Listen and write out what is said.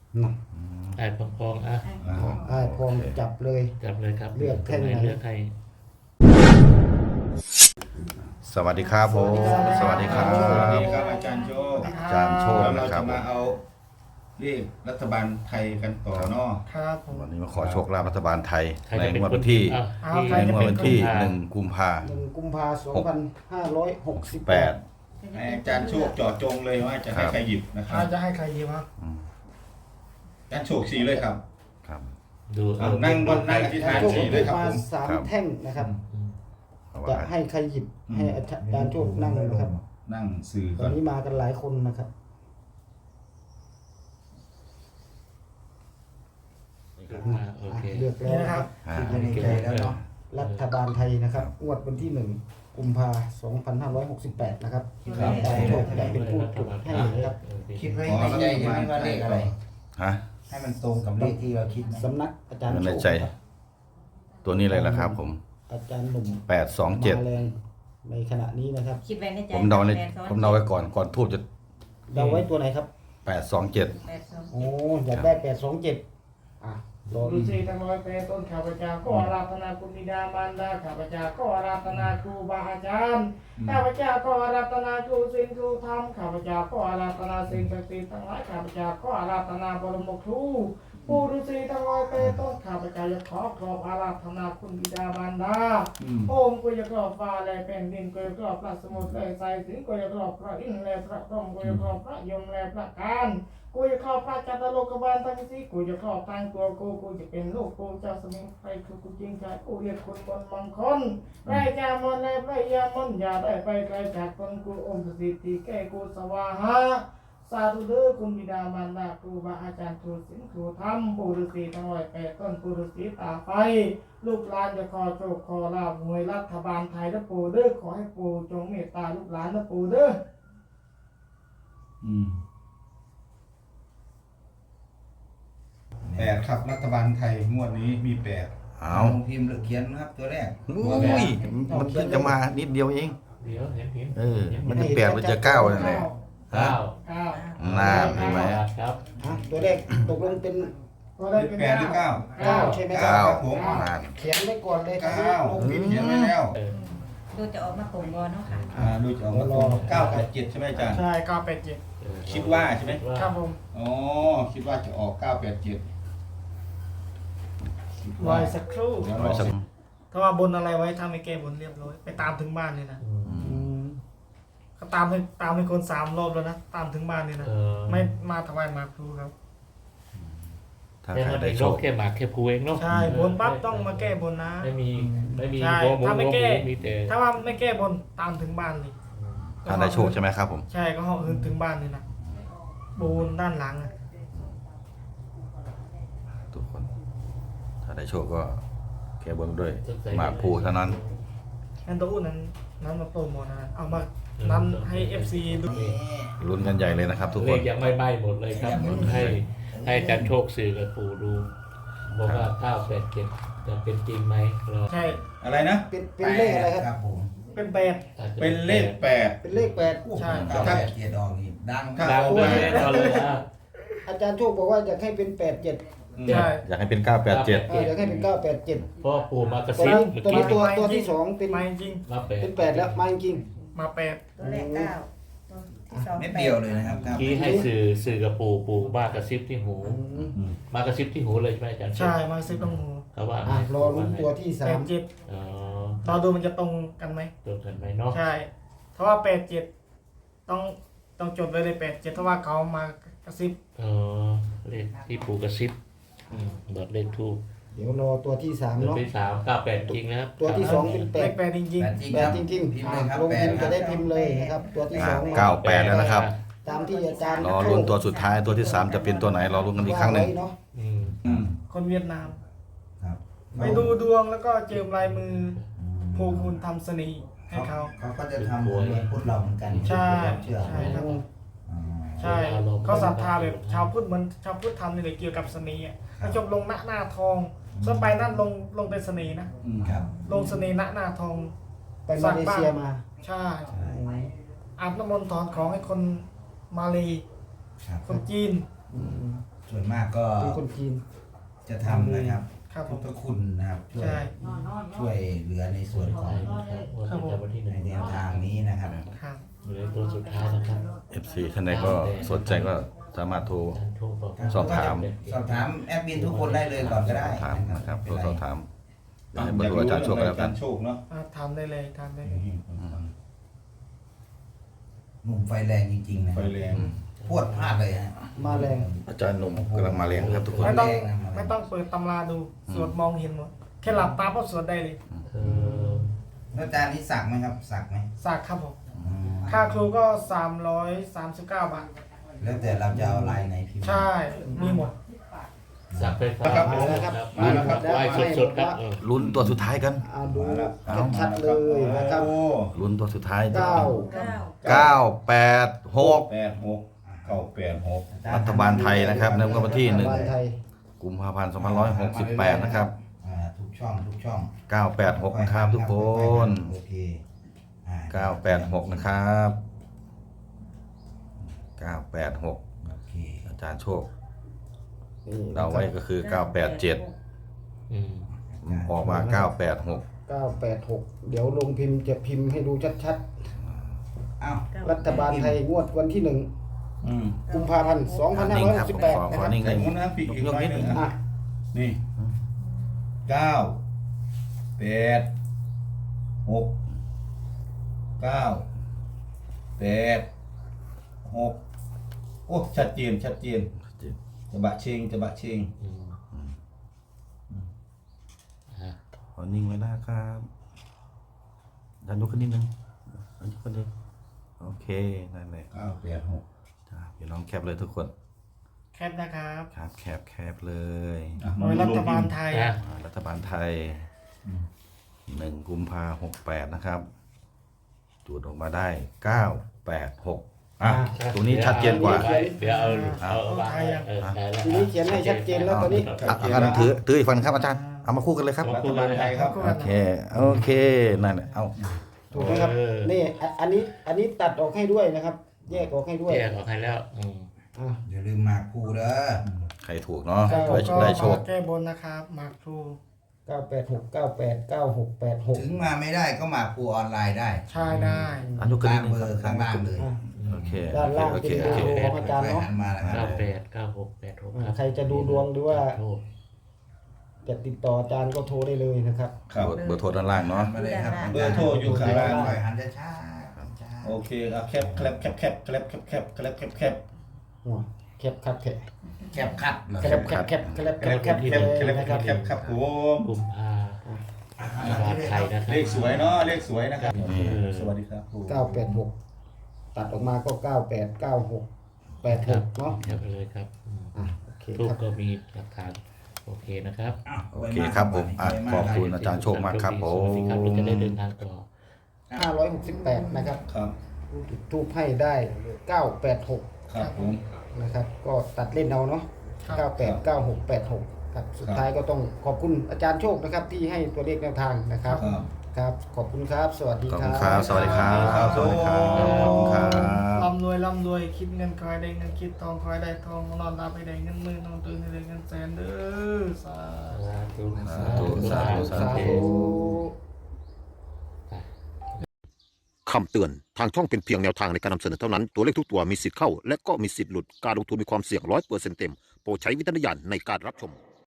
ไอ้พองอ่ะไอ้พองจับเลยจับเลยครับเลือกแท่งไหนเลือกให้สวัสดีครับผมสวัสดีครับสวัสดีครับอาจารย์โชคอาจารย์โชคแล้วนะเราครัจะบมาเอาเลขรัฐบาลไทยกันต่อเนาะครับผมวันนี้มาขอโชคลาภรัฐบาลไทยใครในจะเป็นงวดควัน นที่อ่ะใครในจะงวดเป็นวันที่1 กุมภา 1 กุมภาพันธ์ 2568 ให้อาจารย์โชคเจาะจงเลยว่าจะให้ใครหยิบนะครับจะให้ใครดีวะอาจารย์โชคชี้เลยครับครับดูนั่งบนนั่งอธิษฐานโชคชี้หเลยิยบครับมาผม 3 แท่งนะครับเอาจะว่าให้ใครหยิบให้อาจารย์โชคนั่งนะครับนั่งสื่อตก่ออน นนี้มากันหลายคนนะครับโอเคเลือกแล้วนะครับอ่ารัฐบาลไทยนะครับงวดวันที่ 1 กุมภาพันธ์2568 นะครับอาจารย์โชคจะเป็นผู้จุดให้นะครับคิดไว้ในใจใช่ไหมว่าเลขอะไรฮะให้มันตรงกับเลขที่เราคิดนะสำนักอาจารย์ในโชคใจ ตัวนี้เลยละครับผมอาจารย์หนุ่ม 827 มาแรงในขณะนี้นะครับคิดไว้ในใจผมเดาในแปดสองผมเดาไว้ก่อนทูบจะเราไว้ตัวไหนครับ 827 แปดสองโอ้อยากได้827อ่ะรอฤาษีทั้งร้อยแปดต้นข้าพเจ้าก็อาราธนาคุณบิดามารดาข้าพเจ้าก็อาราธนาครูบาอาจารย์ข้าพเจ้าก็อาราธนาครูศีลครูธรรมข้าพเจ้าก็อาราธนาสิ่งศักดิ์สิทธิ์ทั้งหลายข้าพเจ้าก็อาราธนาบรมครูปู่ฤาษีทั้งร้อยแปดต้นข้าพเจ้าจะขอครอบอาราธนาคุณบิดามารดาโอมกุยกรอบฟ้าและแผ่นดินกุยกรอบพระสมุทรและทรายสิงกุยกรอบพระอินทร์และพระพรหมกุยกรอบพระยมและพระการกูจะเข้าพระจัตตโลกบาลทั้งสี่กูจะเข้าทางตัวกูจะเป็นลูกกูเจ้าสมิงใครคือกูจริงใจกูเรียกคนบนมังคนไรจามนและไรยามนอย่าได้ไปไกลจากตนกูองค์สิทธิแก่กูสวาหาสาธุเด้อคุณบิดามารดาครูบาอาจารย์ครูศิลป์ครูธรรมปู่ฤาษีทั้งร้อยแปดต้นปู่ฤาษีตาไฟลูกหลานจะขอโชคขอลาภหวยรัฐบาลไทยนะปู่เด้อขอให้ปู่จงเมตตาลูกหลานนะปู่เด้อ 8ครับรัฐบาลไทยงวดนี้มี8 เอาลงพิมพ์หรือเขียนนะครับตัวแรกอุ้ยมันเพิ่งจะมานิดเดียวเองเดี๋ยวเห็นเออ มันจะ8หรือจะ9นั่นแหละเก้าน่าเห็นไหมครับอ่ะตัวแรกตกลงเป็นตัวได้เป็น 8หรือ9 9ใช่ไหมคเก้ารับผมนั่นเขียนไว้ก่อนเลยครับ 9ผมเขียนไว้แล้วดูจะออกมาตรงบอเนาะค่ะดูจะออกมาตรง9กับ7ใช่ไหมอาจารย์ใช่เก้าแปดเจ็ดคิดว่าใช่ไหมครับผมอ๋อคิดว่าจะออก987 รอยสักครู่เดี๋ยวเอารอไว้สักถ้าว่าบนอะไรไว้ถ้าไม่แก้บนเรียบร้อยไปตามถึงบ้านเลยนะอืมเขาตามให้คน3 รอบแล้วนะตามถึงบ้านเลยนะไม่มาถวายหมากพลูครับถ้าแค่ใครนั้นได้เองโชเนาะคแค่หมากแค่ภูเองเนาะใช่บนปั๊บต้องมาแก้บนนะไม่มีใช่โมโมถ้าไม่แก้มีแต่ถ้าว่าไม่แก้บนตามถึงบ้านเลยถ้าได้โชคใช่ไหมครับผมใช่ก็ห้องอื่นถึงบ้านเลยนะบูนด้านหลังอะทุกคน ถ้าได้โชคก็แค่บนด้วยหมากภูเท่านั้นงั้นตัวอื่นนั้นมาโปรโมทนะเอามานั้นให้ FC ดูลุ้นกันใหญ่เลยนะครับ ทุกเลคนขยังไม่ใบหมดเลยครับให้อาจารย์โชคสื่อกับปู่ดูบอกว่า987จะเป็นจริงไหมรอใช่อะไรนะเป็นเลขอะไรครับครับผมเป็นแปดเป็นเลขเป็นเลข8 ใช่เก้าแปดเกียรติออกนี่ดังดังเลยแน่นอนเลยอ่ะอาจารย์โชคบอกว่าอยากให้เป็น87 8 ใช่อยากให้เป็น 987 อยากให้เป็น987 เพราะปู่มากระตัวซิบนี้เมื่อตัวกี้นี้ตัวที่2เป็นมาจริงมาแปดเป็น8แล้วมาจริงมาแปดตัวแรกเก้าตัวที่สองเม็ดเดียวเลยนะครับครับที่ให้สื่อกับปู่มากระซิบที่หูๆมากระซิบที่หูเลยใช่ไหมอาจารย์ใช่มาซื้อตรงหูเขาว่าอ่ะรอลุ้นตัวที่ 87 อ๋อรอดูมันจะตรงกันไหมตรงกันไหมเนาะใช่เพราะว่า87ต้องจดไว้เลย87เพราะว่าเขามากระซิบอ๋อเลขที่ปู่กระซิบเบิดเลขทูบ 3เดี๋ยวรอตัวที่3 ตัวเนาะที่398จริงนะครับตัวที่2เป็นเลข 8 แปดจริงแปดจริงแปคดรับจริงพิมๆพ์เลยครับลงแปพิดมพ์คจะรับได้พิมพ์เลยนะครับ ตัวที่2มา 98แล้วนะครับตามที่อาจารย์รอลุ้นตัวสุดท้ายตัวที่ 3 จะเป็นตัวไหนรอลุ้นกันอีกครั้งหนึ่งว่าไว้เนาะๆ คนเวียดนามครับไปดูดวงแล้วก็เจิมลายมือภูคุณทำเสน่ห์ให้เขาเขาก็จะทำเหมือนพุทธเราเหมือนกันใช่เชื่อใช่ครับอ๋อใช่เขาศรัทธาแบบชาวพุทธเหมือนชาวพุทธทำนี่เลยเกี่ยวกับเสน่ห์ถ้าจบลงหน้าทองส่วนไปนั่นลงเป็นเสน่ห์นะครับ ลงเสน่ห์หน้าทองไปมาเลเซียมาใช่อาบน้ำมนต์ถอนของให้คนมาเลครับคนจีนอืมส่วนมากก็เป็นคนจีนจะทำนะครับครับผพุทมธคุณนะครับช่วยใช่ช่วยเหลือในส่วนของวันที่หในนึ่งแนวทางนี้นะครับครับอยู่ในตัวสุดท้ายนะครับ FC ท่านใดก็สนใจก็สามารถโทรอาจารย์โทรบอกสอบถามสอบถามแอดมินทุกคนได้เลยก่อนก็ได้ถามนะครับไม่โทรเป็นสไรอบถามให้เบอร์โทรอาจารย์โชคกันแล้วกันอาจารย์โชคเนาะทำได้เลยทำได้เลยหนุ่มไฟแรงจริงๆนะไฟแรงพวดพลาดเลยฮะมาแรงอาจารย์หนุ่มกำลังมาแรงครับทุกคนไม่ต้องแรงนะไม่ต้องเปิดตำราดูสวดมองเห็นหมดแค่หลับตาก็สวดได้เลยเออแล้วอาจารย์นี่สักไหมครับสักไหมสักครับผมอืมค่าครูก็339 บาทแล้วแต่เราจะเอาลายไหนพิมพ์ใช่ มีหมดสักไฟฟ้ามาแล้วครับมาแล้วครับไฟสดๆครับลุ้นตัวสุดท้ายกันเอาดูชัดๆเลยนะครับโอ้ลุ้นตัวสุดท้ายเก้าเก้า 986 86 รัฐบาลไทยนะครับในวันที่รัฐบาลไทย 1 กุมภาพันธ์ 2568 นะครับทุกช่องทุกช่อง 986 นะครับทุกคนโอเคอ่า 986 นะครับ 986 โอเคอาจารย์โชคนี่เราไว้ก็คือ 987 อืมออกมา 986 986 เดี๋ยวลงพิมพ์จะพิมพ์ให้ดูชัดอ้าวๆ รัฐบาลไทยงวดวันที่อืม 1 กุมภาพันธ์นิ่งครับผมขอ 2568 นะขคอรับนิ่งเลยแต่คนนั้นปีกอีกยกไว้นิดหนึนึ่งงอ่ะนี่9 8 6 9 8 6โอ้ชัดเจนจะบะเชงอืมอ่ะขอนิ่งไว้นะครับดันยกขึ้นนิดนึงดันยกขึ้นนิดโอเคนั่นเลย 9 8 6 จ้าพี่น้องแคปเลยทุกคนแคปนะครับครับแคปเลยโดยรัฐบาลไทยอ่ะรัฐบาลไทย1 กุมภา68 นะครับจูดออกมาได้ 986อ่ะตรงนี้ชัดเจนกว่าเดี๋ยวเอาวางไว้เออได้แล้วทีนี้เขียนให้ชัดเจนแล้วตอนนี้อาจารย์ถืออีกฝั่งครับอาจารย์เอามาคู่กันเลยครับรัฐบาลไทยครับโอเคนั่นแหละเอาถูกไหมครับ นี่อันนี้ตัดออกให้ด้วยนะครับ แยกออกให้ด้วยแยกออกให้แล้วอืมอ่ะอย่าลืมหมากภูเด้อใครถูกเนาะครับได้โชคแก้บนนะครับหมากครู 986 98 9686 ถึงมาไม่ได้ก็หมากภูออนไลน์ได้ใช่ได้อันยกขึ้นตานิมดนึงเบอร์ข้างล่างเลยอ่ะโอเคด้านล่างโอเป็เคน โอเบอเคร์โทรของอาจารย์เนาะหันมาแล้วครับ 989686ครับใครจะดูดวงหรือว่าโทรจะติดต่ออาจารย์ก็โทรได้เลยนะครับครับเบอร์โทรด้านล่างเนาะมาเลยครับเบอร์โทรอยู่ข้างล่างปล่อยหันช้าๆช้าโอเคครับแคปหัวแคบคัดแคบๆแคบคัดเหรอแคบแคบแคบแคบแคบแคบเลยนะครับครับผมกุมภารัฐบาลไทยนะครับเลขสวยเนาะเลขสวยนะครับนี่สวัสดีครับผม 986 ตัดออกมาก็ 98 96 86เนาะเดี๋ยวไปเลยครับอืมอ่ะโอเครูปครับก็มีหลักฐานโอเคนะครับโอเคครับผมอ่ะขอบคุณอาจารย์โชคมากครับผสวัสดีครับเราจะได้เดินมทางต่อ 568นะครับครับทูบให้ได้ 986 ครับผมนะครับ ก็ตัดเล่นเอาเนาะ 98 96 86ครับสุดท้ายก็ต้องขอบคุณอาจารย์โชคนะครับที่ให้ตัวเลขแนวทางนะครับครับครับ ขอบคุณครับ สวัสดีขอบคคุรัณบครับ สวัสดีครับ สวัสดีครับ ขอบคุณครับร่ำรวยคิดเงินคอยได้เงินคิดทองคอยได้ทองนอนหลับไปได้เงินหมื่นนอนตื่นให้ได้เงินแสนเด้อสาธุสาธุสาธุสาธุคำเตือน ทางช่องเป็นเพียงแนวทางในการนำเสนอเท่านั้น ตัวเลขทุกตัวมีสิทธิ์เข้า และก็มีสิทธิ์หลุด การลงทุนมีความเสี่ยง100%เต็ม โปรดใช้วิจารณญาณในการรับชม